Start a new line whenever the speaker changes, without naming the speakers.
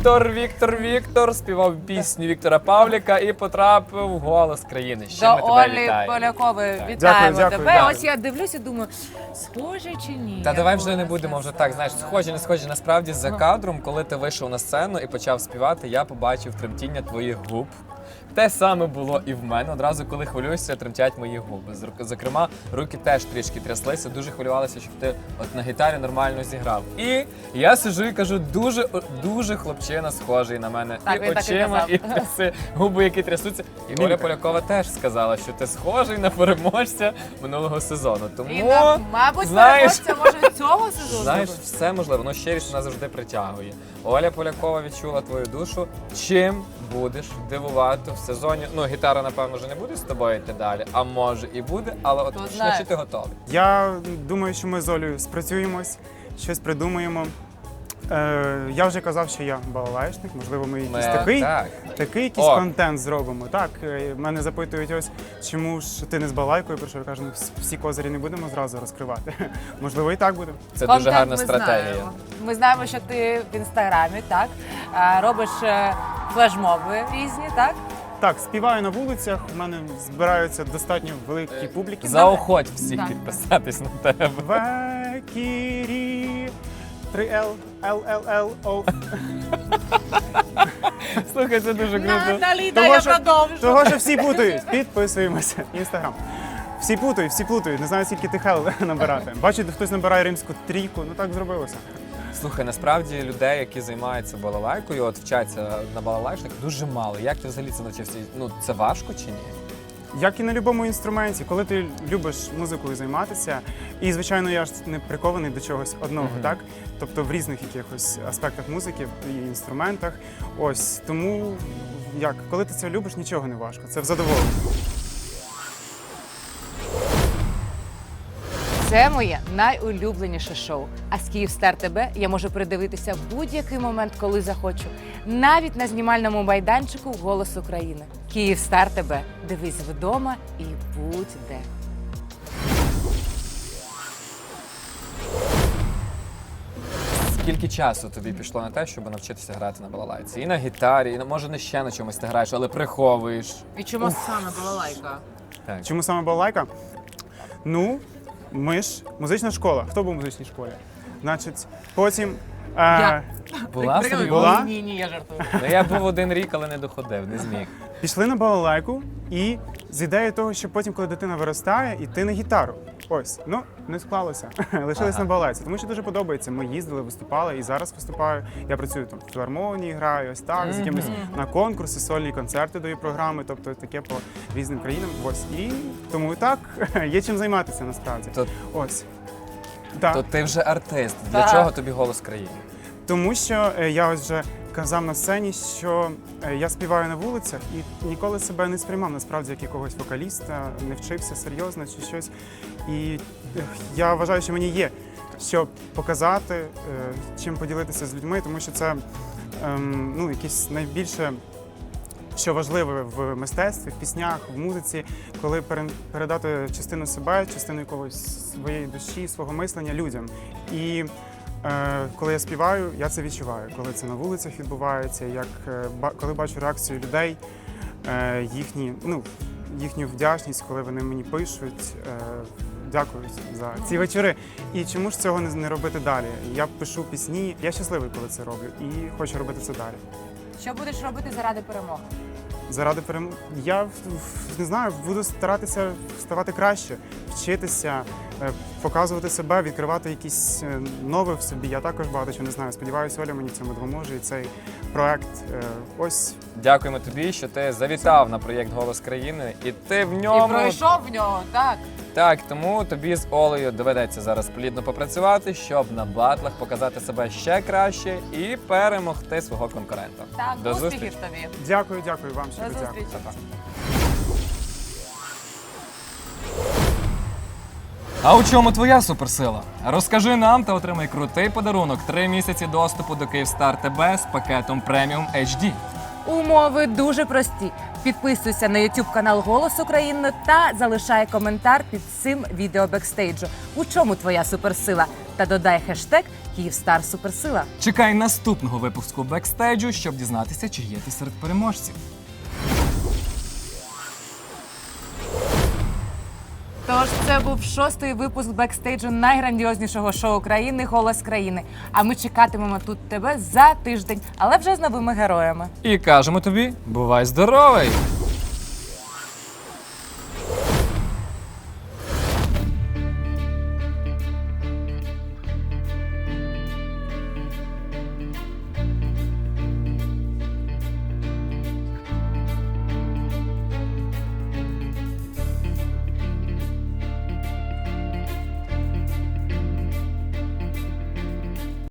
Віктор співав пісню Віктора Павліка і потрапив в «Голос країни». Ще ми
До
тебе
Олі
вітаємо.
Полякової вітаємо
Дякую,
тебе.
дякую.
Ось я дивлюся і думаю, схоже чи ні?
Та давай вже не будемо вже так, знаєш, схожі, не схожі. Насправді за кадром, коли ти вийшов на сцену і почав співати, я побачив тремтіння твоїх губ. Те саме було і в мене. Одразу, коли хвилююся, тремтять мої губи. Зокрема, руки теж трішки тряслися, дуже хвилювалися, щоб ти от на гітарі нормально зіграв. І я сиджу і кажу, дуже хлопчина схожий на мене.
Так,
і
він так і
очима,
казав.
і тряси, губи, які трясуться. І Оля Полякова теж сказала, що ти схожий на переможця минулого сезону. Тому,
І, мабуть,
знаєш,
переможця може цього сезону.
знаєш, все можливо, ну щирість вона завжди притягує. Оля Полякова відчула твою душу. Чим будеш дивувати в сезоні? Ну, гітара, напевно, вже не буде з тобою йти далі, а може і буде, але от
Хто
що
знає.
чи ти готовий?
Я думаю, що ми з Олею спрацюємось, щось придумаємо. Я вже казав, що я балалайшник, можливо, ми якийсь такий якийсь
О.
контент зробимо. Так, мене запитують ось, чому ж ти не з балалайкою, про що я кажу, ну, всі козирі не будемо зразу розкривати. Можливо, і так буде.
Це
Контент
дуже гарна
ми
стратегія.
знаємо. Ми знаємо, що ти в інстаграмі, так? Робиш флешмоби різні, так?
Так, співаю на вулицях, у мене збираються достатньо великі публіки.
Заохоть всіх
Так.
підписатись на тебе.
Векірі, 3L, LLL, O.
Слухай, це дуже круто.
Наліда, я продовжу.
Того, що всі путають. Підписуємося. Інстаграм. Всі плутають. Не знаю, скільки тих L набирати. Бачите, хтось набирає римську трійку, ну так зробилося.
Слухай, насправді людей, які займаються балалайкою, от вчаться на балалайшниках, дуже мало. Як ти взагалі це навчився? Ну, це важко чи ні?
Як і на будь-якому інструменті, коли ти любиш музикою займатися, і, звичайно, я ж не прикований до чогось одного, так? Тобто в різних якихось аспектах музики і інструментах. Ось, тому, коли ти це любиш, нічого не важко, це в задоволення.
Це моє найулюбленіше шоу. А з Київстар ТБ я можу передивитися в будь-який момент, коли захочу. Навіть на знімальному майданчику «Голос України». Київстар ТБ. Дивись вдома і будь де.
Скільки часу тобі пішло на те, щоб навчитися грати на балалайці? І на гітарі, і може не ще на чомусь ти граєш, але приховуєш.
І чому саме балалайка?
Так.
Чому саме балалайка? Ну, ми ж музична школа. Хто був в музичній школі? Значить, потім...
Я.
Була собі?
Була?
Ні, я жартую.
Ну, я був 1 рік, але не доходив, не зміг.
Пішли на балалайку і з ідеєю того, що потім, коли дитина виростає, йти на гітару. Ось, ну, не склалося. Лишились на балалайці, тому що дуже подобається. Ми їздили, виступали і зараз виступаю. Я працюю там в філармонії, граю ось так, з якимись на конкурси, сольні концерти даю програми, тобто таке по різним країнам. Ось, і тому і так є чим займатися насправді. Ось. Так.
То ти вже артист. Для
Так.
чого тобі «Голос країни»?
Тому що я ось вже казав на сцені, що я співаю на вулицях і ніколи себе не сприймав насправді як якогось вокаліста, не вчився серйозно чи щось. І я вважаю, що мені є що показати, чим поділитися з людьми, тому що це ну, якесь найбільше, що важливе в мистецтві, в піснях, в музиці, коли передати частину себе, частину якогось своєї душі, свого мислення людям. І коли я співаю, я це відчуваю. Коли це на вулицях відбувається, коли бачу реакцію людей, їхню вдячність, коли вони мені пишуть, дякую за ці вечори. І чому ж цього не робити далі? Я пишу пісні, я щасливий, коли це роблю, і хочу робити це далі.
Що будеш робити заради перемоги?
Заради перемоги. Я не знаю, буду старатися ставати краще, вчитися, показувати себе, відкривати якісь нове в собі. Я також багато чого не знаю. Сподіваюся, Оля мені в цьому допоможе. І цей проект ось.
Дякуємо тобі, що ти завітав на проєкт «Голос країни» і ти в ньому...
І пройшов в нього, так.
Так, тому тобі з Олею доведеться зараз плідно попрацювати, щоб на батлах показати себе ще краще і перемогти свого конкурента.
Так,
До
успіхів
зустрічі.
тобі.
Дякую вам, що
До
дякую.
зустрічі.
Па-па.
А у чому твоя суперсила? Розкажи нам та отримай крутий подарунок – 3 місяці доступу до Київстар ТБ з пакетом Преміум HD.
Умови дуже прості. Підписуйся на YouTube канал «Голос України» та залишай коментар під цим відео бекстейджу. У чому твоя суперсила? та додай хештег «Київстар Суперсила».
Чекай наступного випуску бекстейджу, щоб дізнатися, чи є ти серед переможців.
Тож це був 6-й випуск бекстейджу найграндіознішого шоу країни «Голос країни». А ми чекатимемо тут тебе за тиждень, але вже з новими героями.
І кажемо тобі, бувай здоровий!